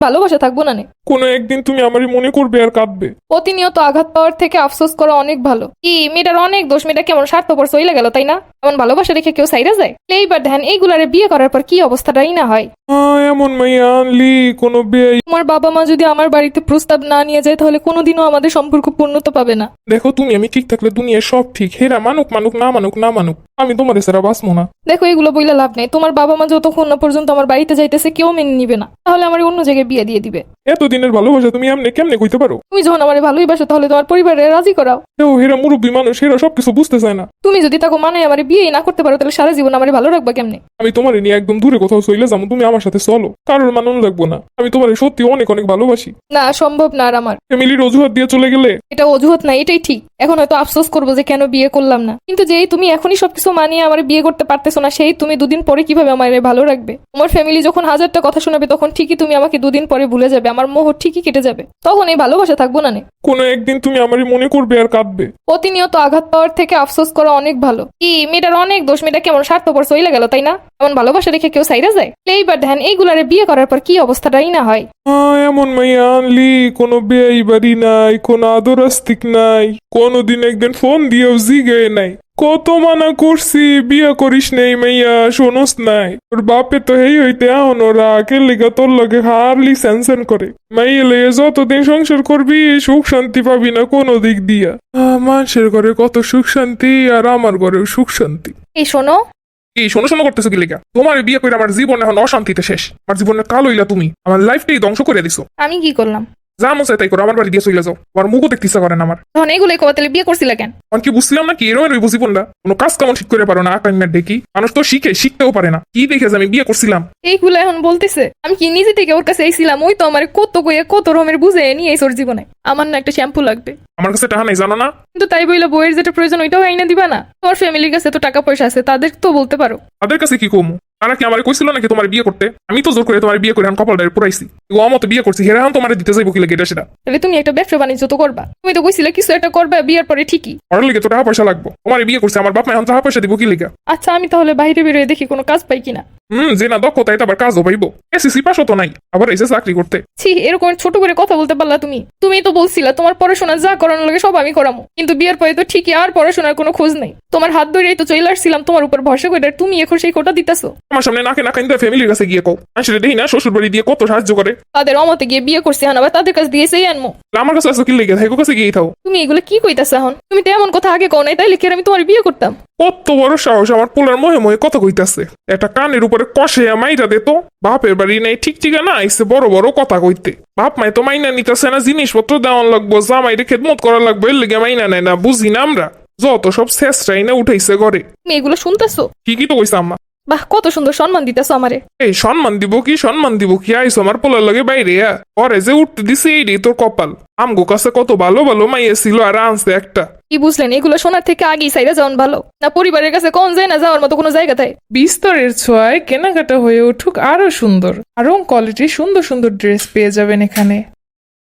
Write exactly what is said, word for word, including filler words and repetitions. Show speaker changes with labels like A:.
A: ভালোবাসা থাকবো না নে।
B: কোনো একদিন তুমি আমারই মনে করবে আর কাঁদবে।
A: প্রতিনিয়ত আঘাত পাওয়ার থেকে আফসোস করা অনেক ভালো। কি মেয়েটার অনেক দোষ, মেয়েটা কেমন স্বার্থপর চইলা গেল তাই না? এমন ভালোবাসা রেখে কেউ সাইরা যায়? এইবার ধ্যান এইগুলারে বিয়ে করার পর কি অবস্থাটাই না হয়।
B: হ্যাঁ, এমন মাইয়া আনলি কোনো বেয়াই।
A: তোমার বাবা মা যদি আমার বাড়িতে প্রস্তাব না নিয়ে যায় তাহলে কোনোদিনও আমাদের সম্পর্ক পূর্ণতা পাবে না।
B: দেখো তুমি আমি ঠিক থাকলে দুনিয়ার সব ঠিক, হেরা মানুক মানুক না মানুক না মানুক, আমি তোমার সারা বাঁচবো না।
A: দেখো এগুলো বইলে লাভ নেই। তোমার বাবা মা যতক্ষণ না পর্যন্ত আমার বাড়িতে যাইতেছে কেউ মেনে নিবে না, তাহলে আমার অন্য জায়গায় বিয়ে দিয়ে দিবে।
B: এতদিনের ভালোবাসা তুমি এমনি কেমনে কইতে পারো?
A: তুমি যখন আমার ভালোইবাসো তাহলে তোমার পরিবারে রাজি করাও।
B: ও হেরা মুরব্বী মানুষ, হেরা সবকিছু বুঝতে চায় না।
A: তুমি যদি তাকে মানে আমার বিয়ে না করতে পারো তাহলে সারা জীবন আমার ভালো রাখবা কেমনে?
B: আমি তোমার নিয়ে একদম দূরে কোথাও চলে যাবো, তুমি আমার সাথে চলো, কারোর মানন লাগবো না। আমি তোমার সত্যি অনেক অনেক ভালোবাসি।
A: না, সম্ভব না আর আমার।
B: ফ্যামিলির অজুহাত দিয়ে চলে গেলে
A: এটা অজুহাত না, এটাই ঠিক। এখন হয়তো আফসোস করবো যে কেন বিয়ে করলাম না, কিন্তু যেই তুমি এখনই সবকিছু মানিয়ে আমার বিয়ে করতে পারতেছো না, সেই তুমি দুদিন পরে কিভাবে আমার ভালো রাখবে? তোমার ফ্যামিলি যখন হাজারটা কথা শোনাবে তখন ঠিকই তুমি আমাকে দুদিন পরে ভুলে যাবে, আমার মোহ ঠিকই কেটে যাবে, তখন এই ভালোবাসা থাকবো না নে।
B: কোনো একদিন তুমি আমারই মনে করবে আর কাঁদবে।
A: প্রতিনিয়ত আঘাত পাওয়ার থেকে আফসোস করা অনেক ভালো। কি মেয়েটার অনেক দোষ, মেয়েটা কেমন স্বার্থপর চইলা গেল তাই না? এমন ভালোবাসা রেখে কেউ সাইরা যায়? এইবার ধ্যান এইগুলারে বিয়ে করার পর কি অবস্থাটাই না হয়।
B: হ্যাঁ, এমন মাইয়া আনলি কোনো বেয়াই বাড়ি নাই, কোনো আদর আস্তিক নাই, কোনোদিন একদিন ফোন দিয়েও জিগে নাই। কত মানা করছি বিয়া করিস নেই মাইয়া, শোনস নাই। ওর বাপে তো হেই হইতে আহন ওরা কেলিগা তোর লগে হারলি স্যানসেন করে। মাইয়া লইয়া যতদিন সংসার করবি সুখ শান্তি পাবি না কোনো দিক দিয়া। আহ, মানুষের ঘরে কত সুখ শান্তি আর আমার ঘরেও সুখ শান্তি।
A: এই শোনো,
B: এই শোনো শোনো করতেছো কি লেগা? তোমার বিয়ে করে আমার জীবন এখন অশান্তিতে শেষ। আমার জীবনের কাল হইলা তুমি, আমার লাইফটাই ধ্বংস করে দিছো।
A: আমি কি করলাম?
B: যা মন চায় তাই করো, আমার বাড়ি দিয়ে চলে যাও। আমার মুখও দেখতে ইচ্ছা করে না আমার।
A: তখন এইগুলো কবা তাহলে বিয়ে করছিলা কেন?
B: আমি কি বুঝছিলাম না কি এরম রইব জীবনটা? কোনো কাজ কেমন ঠিক করে পারো না, আকান্নার ডেকি মানুষ তো শিখে শিখতেও পারে না। কি দেখে যে আমি বিয়ে করছিলাম?
A: এইগুলো এখন বলতেছে আমি কি নিজে থেকে ওর কাছে এইছিলাম? ওই তো আমার কত কইয়া কত রকমের বুঝে নিয়ে এই ওর জীবনে। আমার না একটা শ্যাম্পু লাগবে।
B: আমার কাছে টাকা নাই জানো না?
A: কিন্তু তাই বইলে বইয়ের যেটা প্রয়োজন ওইটাও আইনা দিবা না? তোমার ফ্যামিলির কাছে তো টাকা পয়সা আছে, তাদের তো বলতে পারো।
B: তাদের কাছে কি কমু? তারা কি আমার কইছিল নাকি তোমার বিয়ে করতে? আমি তো জোর করে তোমার বিয়ে করে এখন কপালটারে পুরাইছি। ও মতো বিয়ে করছি, হেরা এখন তোমার দিতে যাইব কি লাগে এটা সেটা?
A: তাহলে তুমি একটা ব্যবসা বাণিজ্য তো করবা। তুমি তো কইছিলে কিছু একটা করবা বিয়ের পরে ঠিকই।
B: ওর লেগে তো টাকা পয়সা লাগবো। তোমার বিয়ে করছে, আমার বাপ মা এখন টাকা পয়সা দিব কি লেগে?
A: আচ্ছা আমি তাহলে বাইরে বেরোয় দেখি কোনো কাজ পাই কিনা।
B: হম যে না দক্ষতা এটা আবার কাজও পাইবো। এসিসি পাশও তো নাই, আবার এসে চাকরি করতে।
A: ছি, এরকম ছোট করে কথা বলতে পারলা তুমি? তুমি তো বলছিলা তোমার পড়াশোনা যা করানোর লাগে সব আমি করামো, কিন্তু বিয়ের পরে তো ঠিকই আর পড়াশোনার কোনো খোঁজ নেই। তোমার হাত ধরেই তো চলে আসছিলাম তোমার উপর ভরসা করে, আর তুমি এখন সেই কোটা দিতেছো।
B: আমার সামনে নাকে না কাইন্দা ফ্যামিলির কাছে গিয়ে কও আসলে দেখি না শ্বশুর বাড়ি দিয়ে কত সাহায্য করে।
A: তাদের অমতে গিয়ে বিয়ে করছি এখন আবার তাদের কাছে দিয়ে সেই আনমো?
B: আমার কাছে আসো কি লেগে থাকো, কাছে গিয়ে থাও।
A: তুমি এগুলো কি কইতাছ এখন? তুমি তো এমন কথা আগে কও নাই, তাইলে কি আর আমি তোমার বিয়ে করতাম?
B: কত বড় সাহস আমার পোলার মহে মহে কথা কইতাছে। একটা কানের উপরে কষে মাইরা দে তো। বাপের বাড়ি নাই ঠিক ঠিকানা আইসে বড় বড় কথা কইতে। বাপ মাই তো মাইনা নিতেছে না, জিনিসপত্র দেওয়ান লাগবো, জামাইরে খেদমত করা লাগবে, এর লেগে মাইনা নেয় না। বুঝি না আমরা যত সব শেষটাই না উঠাইছে ঘরে।
A: তুমি এগুলো শুনতেছো?
B: ঠিকই তো কইছে আম্মা।
A: বাহ, কত সুন্দর সম্মান দিতেছো আমারে।
B: এই সম্মান দিব কি সম্মান দিব কি? আইসো আমার পোলার লগে বাইরে পরে যে উঠতে দিছে এইটাই তোর কপাল। আমগো কাছে কত ভালো ভালো মাইয়া ছিল আর আনছে একটা।
A: কি বুঝলেন? এগুলো শোনার থেকে আগেই সাইরা যাওয়ান ভালো না? পরিবারের কাছে কোন যায় না যাওয়ার মতো কোনো জায়গা থাকে?
C: বিস্তরের ছোঁয়ায় কেনাকাটা হয়ে উঠুক আরো সুন্দর, আরো কোয়ালিটির সুন্দর সুন্দর ড্রেস পেয়ে যাবেন এখানে।